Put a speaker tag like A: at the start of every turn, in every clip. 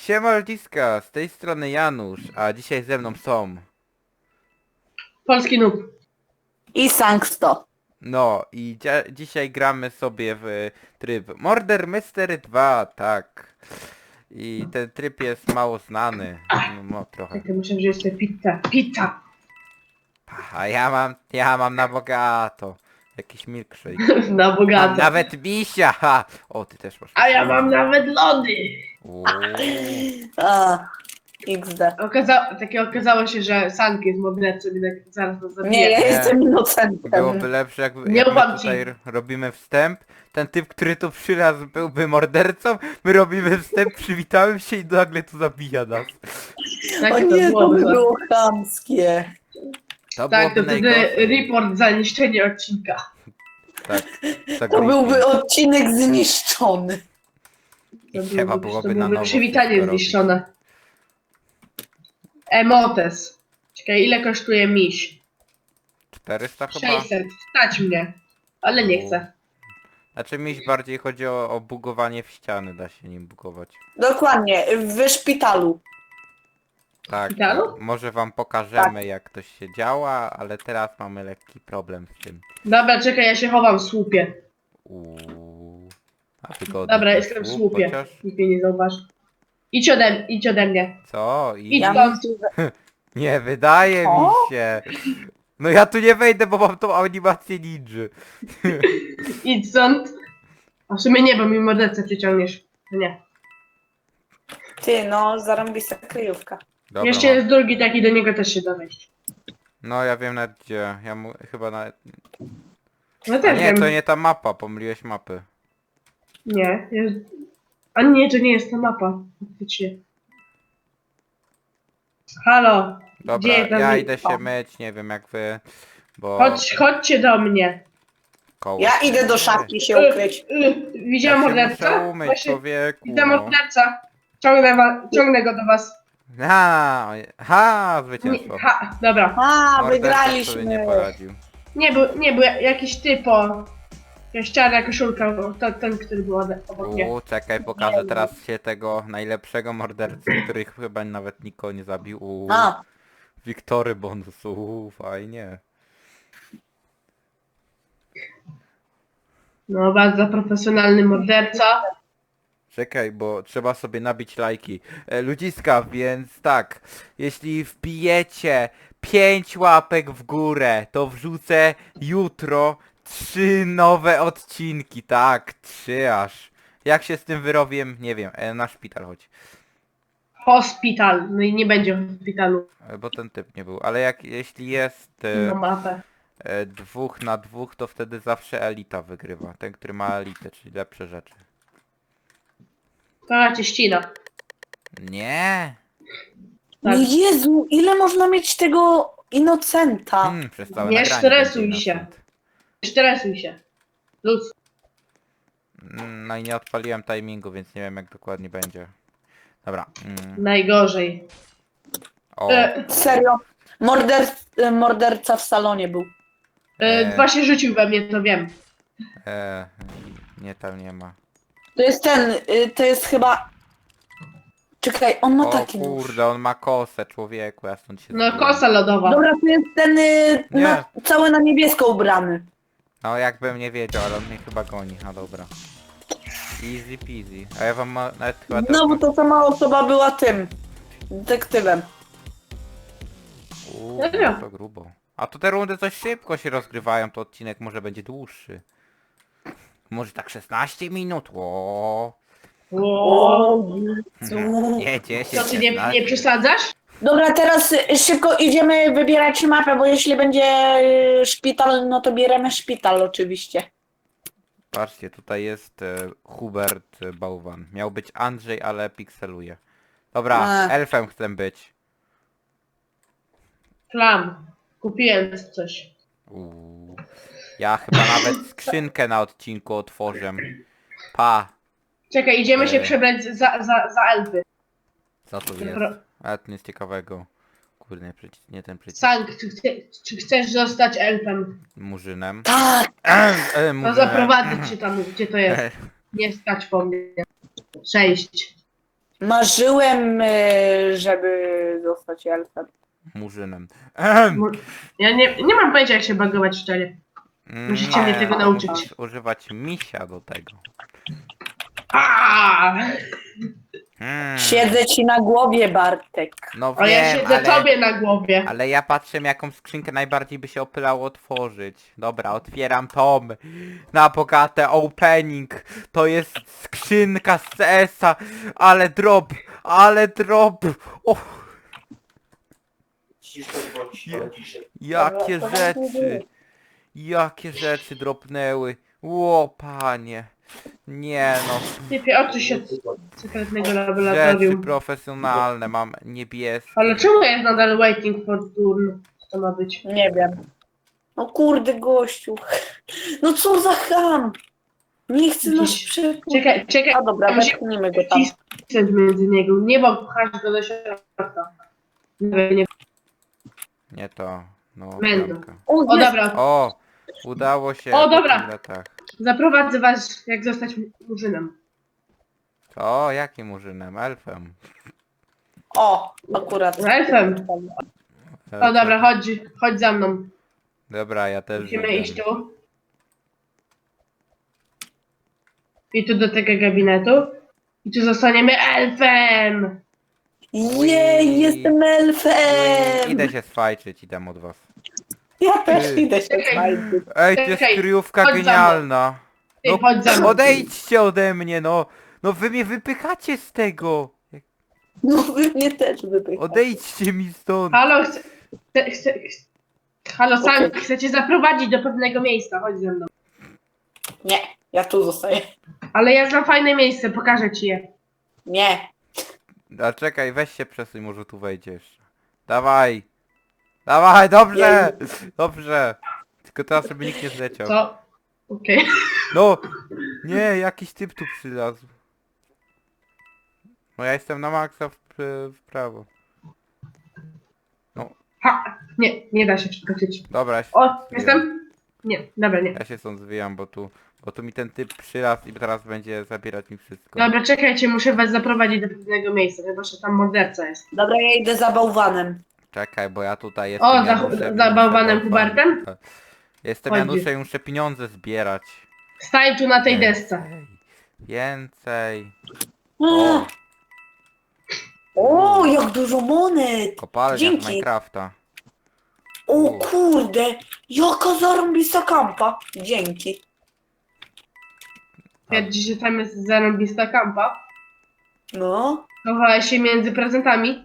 A: Siema ludziska, z tej strony Janusz, a dzisiaj ze mną są.
B: Polski noob.
C: I Sanksto.
A: No i dzisiaj gramy sobie w tryb Murder Mystery 2, tak. I ten tryb jest mało znany, no trochę.
B: Tak, muszę wziąć tę pizzę. Pizza!
A: A ja mam na bogato. Jakiś milkshake.
B: Na
A: Mam
B: bogato.
A: nawet misia, ha! O, ty też masz.
B: A ja mam nawet lody!
A: Uuu,
C: A, XD.
B: Okazało się, że Sank jest mordercą i tak zaraz nas zabije.
C: Nie, ja
A: Nie.
C: jestem inocentem.
A: byłoby lepsze jak
B: Nie
A: my
B: ufam ci.
A: tutaj robimy wstęp. Ten typ, który tu przylazł byłby mordercą, my robimy wstęp, przywitałem się i nagle tu zabija nas.
B: Tak
C: O
B: to
C: nie, to
B: byłoby.
C: by było chamskie.
A: To
B: Tak, to
A: byłoby
B: wtedy
A: najgorsze.
B: report za niszczenie odcinka.
A: Tak, tak
C: To
A: briefing.
C: byłby odcinek zniszczony.
A: I trzeba byłoby na nowo
B: przywitanie
A: wszystko robić.
B: zniszczone. Emotes. Czekaj, ile kosztuje miś?
A: 400 chyba?
B: 600. Stać mnie. Ale nie chcę.
A: Znaczy mi bardziej chodzi o bugowanie w ściany, da się nim bugować.
C: Dokładnie, w szpitalu.
A: Tak,
B: szpitalu?
A: może wam pokażemy jak to się działa, ale teraz mamy lekki problem z tym.
B: Dobra, czekaj, ja się chowam w słupie.
A: Uuu. A wygodny
B: Dobra,
A: to
B: jestem w
A: słup,
B: słupie.
A: chociaż.
B: Nikt mnie nie zauważy. Idź ode mnie.
A: Co?
B: Idź
C: Ja
B: tam.
C: mam tu...
A: Nie, wydaje mi
C: O?
A: się. No ja tu nie wejdę, bo mam tą animację ninja.
B: Idź stąd. A w sumie nie, bo mi mordercę przyciągniesz. To nie.
C: Ty, no, zarąbista kryjówka.
A: Dobra,
B: Jeszcze
A: mam.
B: jest drugi taki, do niego też się da wejść.
A: No ja wiem nawet gdzie. Chyba nawet...
B: No
A: A
B: też
A: nie,
B: wiem.
A: to nie ta mapa, pomyliłeś mapy.
B: Nie, jest... A nie, to nie jest ta mapa. Faktycznie. Halo.
A: Dobra,
B: Gdzie tam
A: ja
B: jest?
A: idę się myć, nie wiem jak wy, bo...
B: Chodźcie do mnie.
A: koło...
C: Ja idę do szafki się ukryć.
B: Widziałem
A: Ja się
B: mordercę?
A: muszę umyć,
B: Właśnie
A: człowieku,
B: widzę
A: no.
B: morderca. Ciągnę go do was.
A: Ha, zwycięstwo.
B: Dobra.
C: A,
A: Morderca sobie nie
C: wygraliśmy.
A: poradził.
B: Nie był jakiś typo. Jakaś czarna koszulka, bo to ten, który był obok mnie.
A: Czekaj, pokażę teraz się tego najlepszego mordercy, który chyba nawet nikogo nie zabił.
C: A,
A: Wiktory bonus, fajnie.
B: No, bardzo profesjonalny morderca.
A: Czekaj, bo trzeba sobie nabić lajki. Ludziska, więc tak, jeśli wbijecie 5 łapek w górę, to wrzucę jutro 3 nowe odcinki, tak, 3 aż. Jak się z tym wyrobię, nie wiem, na szpital chodź.
B: Hospital. No i nie będzie w hospitalu.
A: Bo ten typ nie był, ale jeśli jest
B: Na mapę.
A: 2 na 2, to wtedy zawsze elita wygrywa. Ten, który ma elitę, czyli lepsze rzeczy.
B: To cię ścina.
A: Nie!
B: Tak.
C: no Jezu, ile można mieć tego inocenta?
A: Przez całe
B: Nie
A: nagranie
B: stresuj
A: będzie
B: się.
A: innocent.
B: Stresuj się. Luz.
A: No i nie odpaliłem timingu, więc nie wiem jak dokładnie będzie. Dobra.
B: Najgorzej.
A: O,
C: Serio? Morderca w salonie był.
B: Dwa się rzucił we mnie, to wiem.
A: nie, tam nie ma.
C: To jest ten, to jest chyba... Czekaj, on ma
A: O
C: taki nóż.
A: kurde, on ma kosę, człowieku, ja stąd się
B: No,
A: zbiłem.
B: kosa lodowa.
C: Dobra, to jest ten
A: Nie.
C: cały na niebiesko ubrany.
A: No jakbym nie wiedział, ale on mnie chyba goni, no dobra. Easy peasy. A ja wam nawet chyba...
C: No bo to sama osoba była tym, detektywem.
B: Serio?
A: To grubo. A to te rundy coś szybko się rozgrywają, to odcinek może będzie dłuższy. Może tak 16 minut,
B: O,
A: Nie, 10,
B: co ty nie
A: 16.
B: przesadzasz?
C: Dobra, teraz szybko idziemy wybierać mapę, bo jeśli będzie szpital, no to bierzemy szpital oczywiście.
A: Patrzcie, tutaj jest Hubert Bałwan. Miał być Andrzej, ale pikseluje. Dobra, elfem chcę być.
B: Klam. Kupiłem coś.
A: Ja chyba nawet skrzynkę na odcinku otworzę. Pa!
B: Czekaj, idziemy się przebrać za elfy.
A: Co tu jest?
B: Dobra.
A: Ale to nic ciekawego. Kurde, nie ten przycisk.
B: Sank, czy chcesz zostać elfem?
A: Murzynem.
C: Tak!
B: No
A: Murzynem.
B: zaprowadzić cię tam, gdzie to jest. Nie stać po mnie. 6.
C: Marzyłem, żeby zostać elfem.
A: Murzynem.
B: Ja nie mam pojęcia jak się bagować szczerze. Musicie mnie tego
A: to
B: nauczyć.
A: musisz używać misia do tego.
B: Aaaa!
C: Siedzę ci na głowie, Bartek.
A: No
B: A ja
A: wiem,
B: siedzę tobie na głowie.
A: ale ja patrzę, jaką skrzynkę najbardziej by się opylało otworzyć. Dobra, otwieram tom. Na bogatę opening. To jest skrzynka z CS-a. Ale drop, ale drop. O, jakie
C: Dobra,
A: rzeczy. Jakie rzeczy dropnęły. Ło, panie. Nie no.
B: Typie, odsuń się od sekretnego
A: Rzeczy
B: laboratorium.
A: profesjonalne. Mam niebieskie.
B: Ale czemu jest nadal waiting for turn? Co to ma być?
C: Nie wiem. No kurde, gościu. No co za ham. Nie chcę nas
B: Jakiś-
C: przepuścić.
B: Czekaj,
C: A dobra,
B: musi
C: wepchnijmy go tam.
B: wcisnąć między niego. Nie pchać go do środka. Nie.
A: Nie to. No,
B: Będą.
A: bramka.
C: O,
B: O
C: jest.
B: dobra,
A: O! Udało się.
B: O,
A: po
B: dobra.
A: tylu latach.
B: zaprowadzę was jak zostać murzynem.
A: O, jakim murzynem? Elfem.
C: O, akurat.
B: Elfem. O dobra, chodź za mną.
A: Dobra, ja też
B: Musimy
A: idę.
B: iść tu. I tu do tego gabinetu. I tu zostaniemy elfem!
C: Jej, jestem elfem!
A: Idę się swajczyć, idę od was.
C: Ja też
A: Ty.
C: idę się
B: Czekaj.
C: znajdę.
A: Ej, to jest
B: Czekaj,
A: kryjówka
B: chodź za mną.
A: genialna.
B: Ty,
A: No,
B: chodź za mną.
A: odejdźcie ode mnie, no. No wy mnie wypychacie z tego.
C: No wy mnie też wypychacie.
A: Odejdźcie mi stąd.
B: Halo, Halo, sam
C: Okej.
B: chcę cię zaprowadzić do pewnego miejsca, chodź ze mną.
C: Nie, ja tu zostaję.
B: Ale ja znam fajne miejsce, pokażę ci je.
C: Nie.
A: A czekaj, weź się przesuń, może tu wejdziesz. Dawaj. Dawaj, dobrze. Dobrze. Tylko teraz, żeby nikt nie zleciał.
B: Co? Okej.
A: No! Nie, jakiś typ tu przylazł. No ja jestem na maksa w prawo.
B: Ha! Nie da się przeskoczyć.
A: Dobra, ja się,
B: O, jestem? Nie, dobra, nie.
A: ja się stąd zwijam, bo tu mi ten typ przylazł i teraz będzie zabierać mi wszystko.
B: Dobra, czekajcie, muszę was zaprowadzić do pewnego miejsca, chyba że tam morderca jest.
C: Dobra, ja idę za bałwanem.
A: Czekaj, bo ja tutaj jestem
B: O,
A: Januszem i
B: za
A: muszę
B: bałwanem
A: bałwan-
B: Hubertem?
A: Jestem
B: Chodzi.
A: Januszem i muszę pieniądze zbierać.
B: Stań tu na tej desce.
A: Więcej.
C: O, o jak dużo monet!
A: Kopalnia z
C: Dzięki.
A: Minecrafta.
C: O kurde, jaka zarąbista kampa. Dzięki.
B: Twierdzi, że tam jest zarąbista kampa.
C: No,
B: Chowałeś się między prezentami.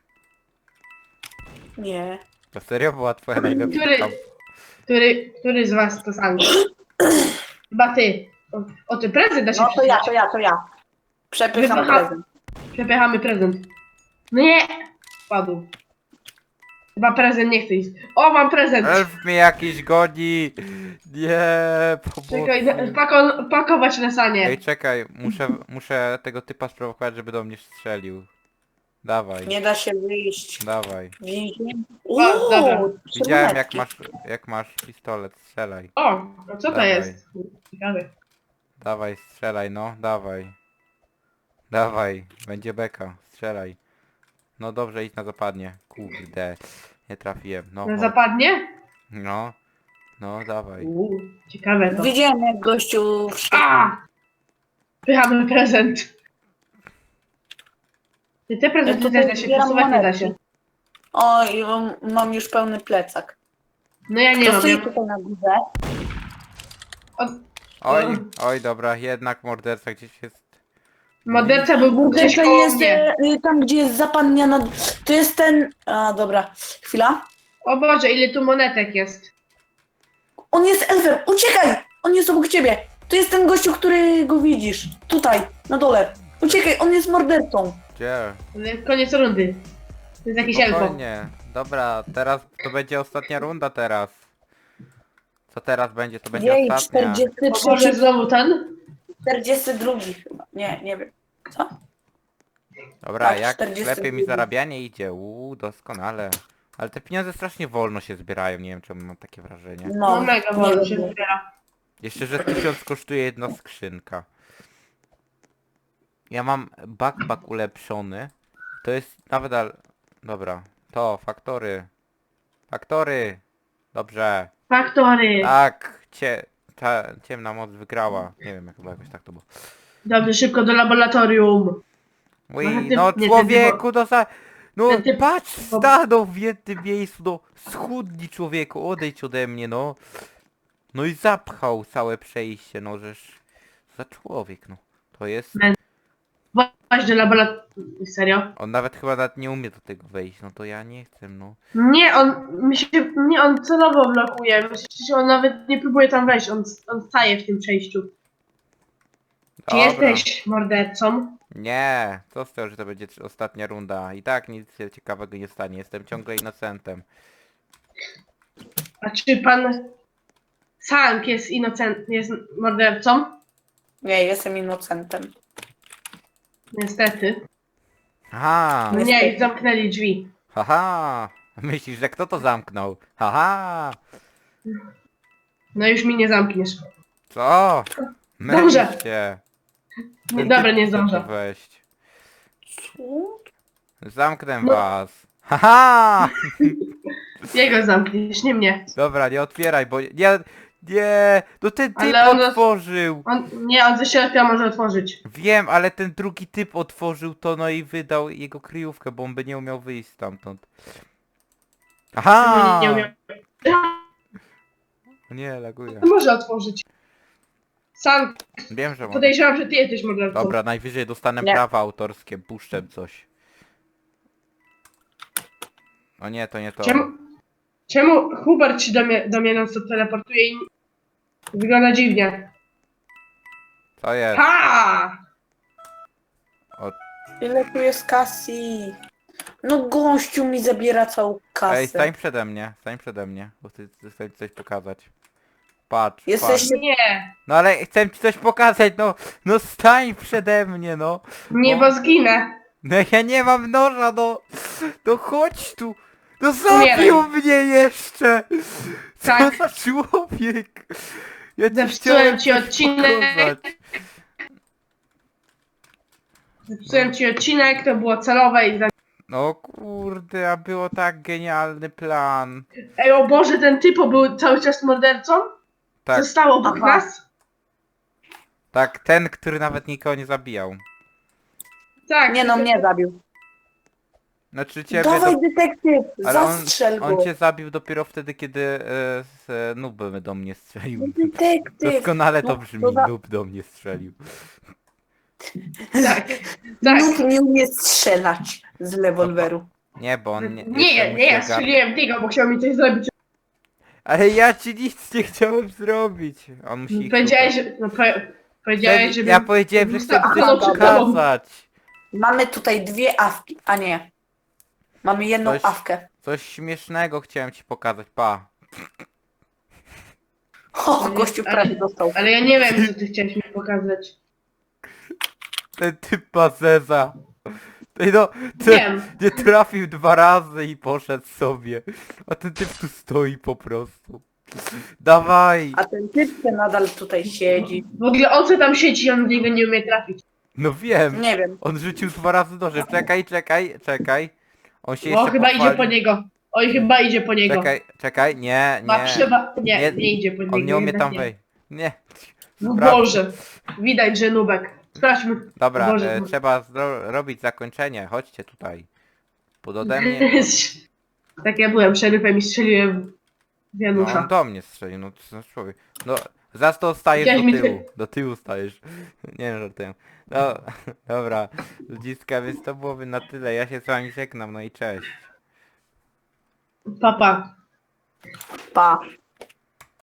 C: nie.
A: To serio była twoja najlepsza
B: Który-
A: kampa?
B: Który z was to sam? Chyba ty. O, ty prezent da się
C: No to ja,
B: przesunąć.
C: to ja. Przepycham
B: Wypycha-
C: prezent.
B: Przepychamy prezent. No nie! Padł. Chyba prezent nie chce iść. O, mam prezent!
A: Elf mnie jakiś goni! Nie,
B: Czekaj,
A: pomocy.
B: pakować na sanie.
A: Ej, czekaj, muszę tego typa sprowokować, żeby do mnie strzelił. Dawaj,
C: Nie da się wyjść.
A: dawaj.
C: Więzień.
B: O, dobra.
A: Widziałem
C: monetki.
A: jak masz pistolet, strzelaj.
B: O, no co to
A: Dawaj.
B: jest? Ciekawe.
A: Dawaj, strzelaj, no, dawaj. Dawaj, będzie beka, strzelaj. No dobrze, idź na zapadnie. Kurde, nie trafiłem, no.
B: No
A: chodź.
B: zapadnie?
A: No, no, dawaj.
B: Ciekawe to.
C: Widziałem jak gościu
B: A! Pychamy prezent. Te prezenty
C: tutaj
B: też da się
C: zbieram
B: przesuwać, nie da
C: monetki.
B: się.
C: O, i mam już pełny plecak.
B: No ja nie
C: To
B: mam.
C: stoi
B: Ja...
C: tutaj na górze.
A: Oj, oj, dobra, jednak morderca gdzieś jest.
B: Morderca był gdzieś
C: To
B: koło
C: jest
B: mnie.
C: tam, gdzie jest zapadnia na... To jest ten... A, dobra. Chwila.
B: O Boże, ile tu monetek jest.
C: On jest elfem. Uciekaj! On jest obok ciebie. To jest ten gościu, którego widzisz. Tutaj, na dole. Uciekaj, on jest mordercą.
A: Gdzie?
B: Ale koniec rundy. To jest jakiś elfo.
A: Spokojnie. Dobra, teraz to będzie ostatnia runda teraz. Co teraz będzie? To będzie
C: Jej,
A: ostatnia.
C: 43,
B: O Boże, znowu ten?
C: 42 chyba. Nie wiem. Co?
A: Dobra,
C: tak,
A: jak
C: 40
A: lepiej mi
C: minut.
A: zarabianie idzie. Doskonale. Ale te pieniądze strasznie wolno się zbierają, nie wiem czemu mam takie wrażenie.
B: No mega wolno się
C: wiem.
B: zbiera.
A: Jeszcze, że 1000 kosztuje jedna skrzynka. Ja mam backpack ulepszony. To jest nawet dobra. To, faktory. Faktory! Dobrze.
B: Faktory.
A: Tak, ciemna moc wygrała. Nie wiem, jak chyba jakoś tak to było.
B: Dobrze, szybko do laboratorium.
A: Ui,
B: No, ty-
A: no
B: nie,
A: człowieku, no
B: ten typ-
A: patrz, stanął w jednym miejscu, no schudnij człowieku, odejdź ode mnie, no. No i zapchał całe przejście, no żeż za człowiek, no. To jest,
B: Właśnie do laboratorium. Serio?
A: on nawet nie umie do tego wejść, no to ja nie chcę, no.
B: Nie, on celowo blokuje. Myślę, że on nawet nie próbuje tam wejść. On staje w tym przejściu. Czy
A: Dobra.
B: jesteś mordercą?
A: Nie, co z tego, że to będzie ostatnia runda. I tak nic się ciekawego nie stanie, jestem ciągle innocentem.
B: A czy pan Sank jest mordercą?
C: Nie, jestem innocentem.
B: Niestety.
A: Aha,
B: Nie, zamknęli drzwi.
A: haha. Myślisz, że kto to zamknął? Haha.
B: No już mi nie zamkniesz.
A: Co?
B: Dobrze.
A: Mylisz się.
B: Nie,
A: Ten
B: dobra,
A: typ
B: nie
A: chce tu
B: zdążę.
A: wejść.
C: Co?
A: Zamknę
B: No.
A: was. Haha!
B: Jego zamkniesz, nie mnie.
A: Dobra, nie otwieraj, bo nie, no ten typ
B: Ale on-
A: otworzył.
B: On ze środka może otworzyć.
A: Wiem, ale ten drugi typ otworzył to, no i wydał jego kryjówkę, bo on by nie umiał wyjść stamtąd. Aha!
B: Nie umiem.
A: Nie, laguje.
B: Może otworzyć. Sank,
A: Wiem, że mogę.
B: podejrzewam, że ty jesteś mordercą.
A: Dobra, najwyżej dostanę
C: Nie.
A: prawa autorskie, puszczę coś. O nie, to nie to.
B: Czemu Hubert się do mnie non-stop teleportuje i wygląda dziwnie?
A: Co jest?
B: Ha!
C: Ile tu jest kasy? No gościu mi zabiera całą kasę.
A: Ej, stań przede mnie, bo chcę ci coś pokazać. Patrz,
C: Jesteś-
A: patrz.
B: Nie,
A: No ale chcę ci coś pokazać, no stań przede mnie, no.
B: nie, bo zginę.
A: No ja nie mam noża, no chodź tu. No
B: Umieraj.
A: zabił mnie jeszcze. Co
B: Tak.
A: za człowiek. Ja ci
B: Zepsułem
A: chciałem
B: ci
A: coś
B: odcinek.
A: pokazać.
B: Zepsułem ci odcinek, to było celowe i...
A: No kurde, a było tak genialny plan.
B: Ej, o Boże, ten typo był cały czas mordercą?
A: Tak,
B: Został obok
C: Aha.
B: nas?
A: tak, ten, który nawet nikogo nie zabijał.
B: Tak.
C: Nie no, mnie zabił.
A: Znaczy ciebie
C: Dawaj detektyw,
A: ale
C: zastrzel go.
A: on cię zabił dopiero wtedy, kiedy noob do mnie strzelił.
C: No detektyw.
A: Doskonale to
C: No,
A: brzmi,
C: to za-
A: noob do mnie strzelił.
B: Tak, tak.
C: Nikt nie umie strzelać z rewolweru.
A: Nie, bo on
B: Nie,
A: jeszcze musi
B: ja
A: ogarnąć.
B: strzeliłem tego, bo chciał mi coś zrobić.
A: Ale ja ci nic nie chciałem zrobić. On musi ich
B: Powiedziałeś,
A: szukać.
B: że... No, powiedziałeś, żeby...
A: Ja powiedziałem, że chcę
B: Aha,
A: coś
B: no, przed tobą.
A: pokazać.
C: Mamy tutaj dwie awki, a nie. Mamy jedną
A: Coś-
C: awkę.
A: Coś śmiesznego chciałem ci pokazać, pa.
C: O, gościu prawie dostał.
B: Ale ja nie wiem, co ty chciałeś mi pokazać.
A: Ten typ ma zeza. Ej no, ten
B: Wiem.
A: nie trafił 2 razy i poszedł sobie. A ten typ tu stoi po prostu. Dawaj.
C: A ten typ ten nadal tutaj siedzi.
B: W ogóle on co tam siedzi, on w niego nie umie trafić.
A: No wiem.
C: Nie wiem.
A: On rzucił 2 razy nożem. Czekaj. On się
B: O,
A: jeszcze
B: chyba idzie
A: pochwali.
B: po niego. Oj, chyba idzie po niego.
A: Czekaj, nie.
B: Nie, nie idzie po niego.
A: On nie umie
B: jednak
A: tam
B: nie.
A: wejść. Nie.
B: No
A: Sprawdź.
B: Boże. Widać, że nubek. Sprawdźmy.
A: Dobra,
B: Boże.
A: trzeba robić zakończenie. Chodźcie tutaj. Pod ode mnie.
B: Tak ja byłem szeryfem i strzeliłem w
A: No,
B: Janusza.
A: on do mnie strzelił, no co za człowiek. No, zaraz to stajesz
B: Widziałeś mi
A: do tyłu. Do tyłu stajesz. Nie żartuję. No, dobra. Ludziska, więc to byłoby na tyle. Ja się z wami żegnam, no i cześć.
B: Papa.
C: Pa.